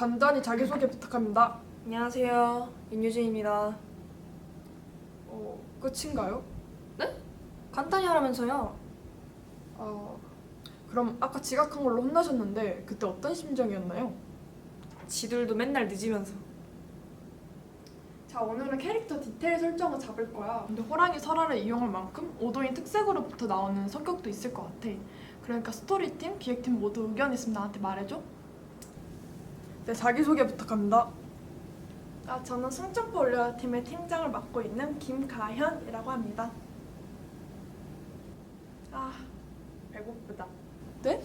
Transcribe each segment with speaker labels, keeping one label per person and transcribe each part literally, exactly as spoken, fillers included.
Speaker 1: 간단히 자기소개 부탁합니다.
Speaker 2: 안녕하세요. 윤유진입니다.
Speaker 1: 어, 끝인가요?
Speaker 2: 네? 간단히 하라면서요.
Speaker 1: 어, 그럼 아까 지각한 걸로 혼나셨는데 그때 어떤 심정이었나요?
Speaker 2: 지들도 맨날 늦으면서.
Speaker 1: 자, 오늘은 캐릭터 디테일 설정을 잡을 거야. 근데 호랑이 설화를 이용할 만큼 오도인 특색으로부터 나오는 성격도 있을 것 같아. 그러니까 스토리팀, 기획팀 모두 의견 있으면 나한테 말해줘. 네, 자기소개 부탁합니다. 아, 저는 승점포 올려라 팀의 팀장을 맡고 있는 김가현이라고 합니다. 아, 배고프다. 네?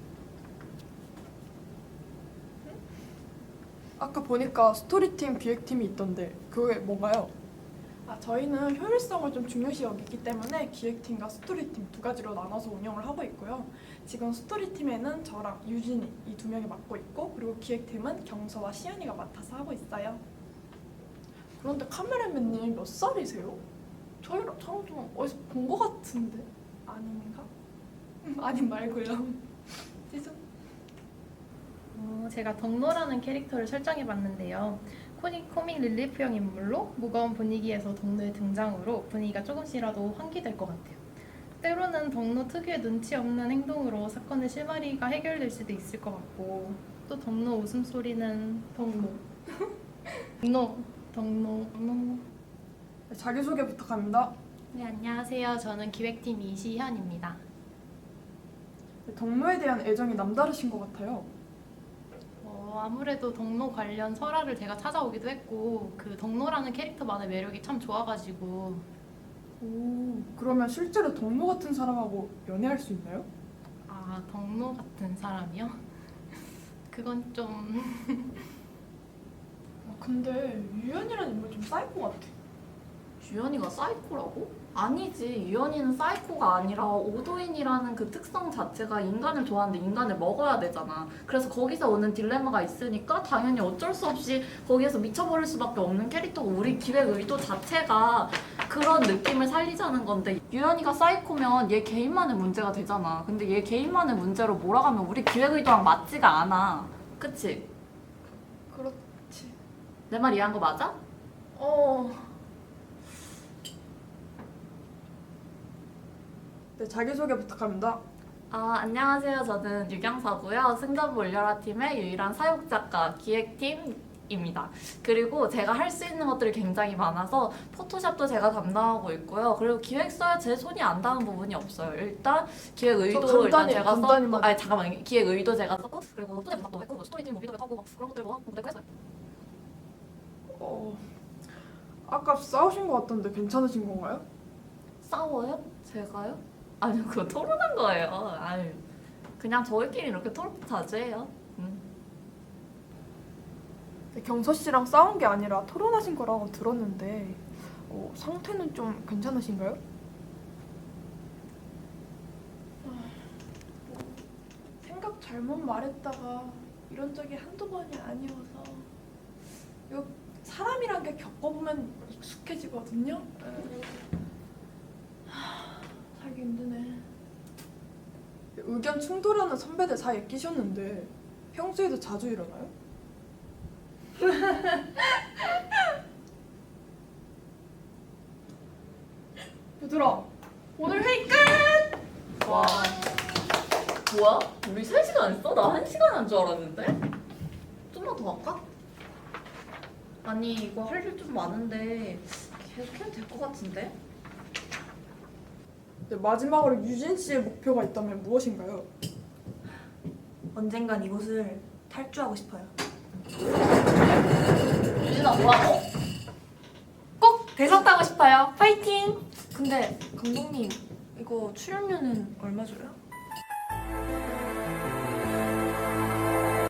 Speaker 1: 응? 아까 보니까 스토리팀, 기획팀이 있던데 그게 뭔가요? 아, 저희는 효율성을 좀 중요시 여기기 때문에 기획팀과 스토리팀 두 가지로 나눠서 운영을 하고 있고요. 지금 스토리팀에는 저랑 유진이 이 두 명이 맡고 있고, 그리고 기획팀은 경서와 시연이가 맡아서 하고 있어요. 그런데 카메라맨님 몇 살이세요? 저희랑 저랑 좀 어디서 본 것 같은데 아닌가? 아님 말고요. 죄송.
Speaker 3: 어, 제가 덕노라는 캐릭터를 설정해봤는데요. 코믹, 코믹 릴리프형 인물로 무거운 분위기에서 덕노의 등장으로 분위기가 조금씩이라도 환기될 것 같아요. 때로는 덕노 특유의 눈치 없는 행동으로 사건의 실마리가 해결될 수도 있을 것 같고, 또 덕노 웃음소리는 덕노 덕노 덕노 덕노.
Speaker 1: 자기소개 부탁합니다.
Speaker 3: 네, 안녕하세요. 저는 기획팀 이시현입니다.
Speaker 1: 덕노에 대한 애정이 남다르신 것 같아요.
Speaker 3: 어, 아무래도 덕노 관련 설화를 제가 찾아오기도 했고, 그 덕노라는 캐릭터만의 매력이 참 좋아가지고.
Speaker 1: 오, 그러면 실제로 덕노 같은 사람하고 연애할 수 있나요?
Speaker 3: 아, 덕노 같은 사람이요? 그건 좀...
Speaker 1: 아, 근데 유연이라는 인물 좀 사이코 같아.
Speaker 4: 유연이가 사이코라고? 아니지. 유연이는 사이코가 아니라 오도인이라는 그 특성 자체가 인간을 좋아하는데 인간을 먹어야 되잖아. 그래서 거기서 오는 딜레마가 있으니까 당연히 어쩔 수 없이 거기에서 미쳐버릴 수밖에 없는 캐릭터고, 우리 기획 의도 자체가 그런 느낌을 살리자는 건데, 유연이가 사이코면 얘 개인만의 문제가 되잖아. 근데 얘 개인만의 문제로 몰아가면 우리 기획 의도랑 맞지가 않아. 그치?
Speaker 1: 그렇지.
Speaker 4: 내 말 이해한 거 맞아?
Speaker 1: 어. 네, 자기소개 부탁합니다.
Speaker 4: 아, 안녕하세요. 저는 유경서고요. 승전보 올려라 팀의 유일한 사육 작가, 기획팀입니다. 그리고 제가 할 수 있는 것들이 굉장히 많아서 포토샵도 제가 담당하고 있고요. 그리고 기획서에 제 손이 안 닿은 부분이 없어요. 일단 기획 의도 일단
Speaker 1: 간단히,
Speaker 4: 제가 썼고,
Speaker 1: 간단히만.
Speaker 4: 아니 잠깐만, 기획 의도 제가 썼고, 그리고 소재 부탁도 했고, 스토리팀 무비도 하고 막 그런 것들 뭐 하고 그랬고 했어요.
Speaker 1: 어, 아까 싸우신 것 같던데 괜찮으신 건가요?
Speaker 4: 싸워요? 제가요? 아니, 그거 토론한 거예요. 아유, 그냥 저희끼리 이렇게 토론 자주 해요. 음.
Speaker 1: 네, 경서 씨랑 싸운 게 아니라 토론하신 거라고 들었는데 어, 상태는 좀 괜찮으신가요? 아, 뭐, 생각 잘못 말했다가 이런 적이 한두 번이 아니어서, 이거 사람이란 게 겪어보면 익숙해지거든요. 하, 살기 힘드네. 의견 충돌하는 선배들 사이에 끼셨는데 평소에도 자주 일어나요? 얘들아, 오늘 회의 끝!
Speaker 4: 와, 뭐야? 우리 세 시간 했어? 나 한 시간 한 줄 알았는데? 좀만 더 할까? 아니, 이거 할 일 좀 많은데 계속 해도 될 것 같은데?
Speaker 1: 네, 마지막으로 유진 씨의 목표가 있다면 무엇인가요?
Speaker 2: 언젠간 이곳을 탈주하고 싶어요.
Speaker 4: 유진아, 뭐라고?
Speaker 2: 꼭 대상 따고 싶어요. 파이팅! 근데 감독님, 이거 출연료는 얼마 줘요?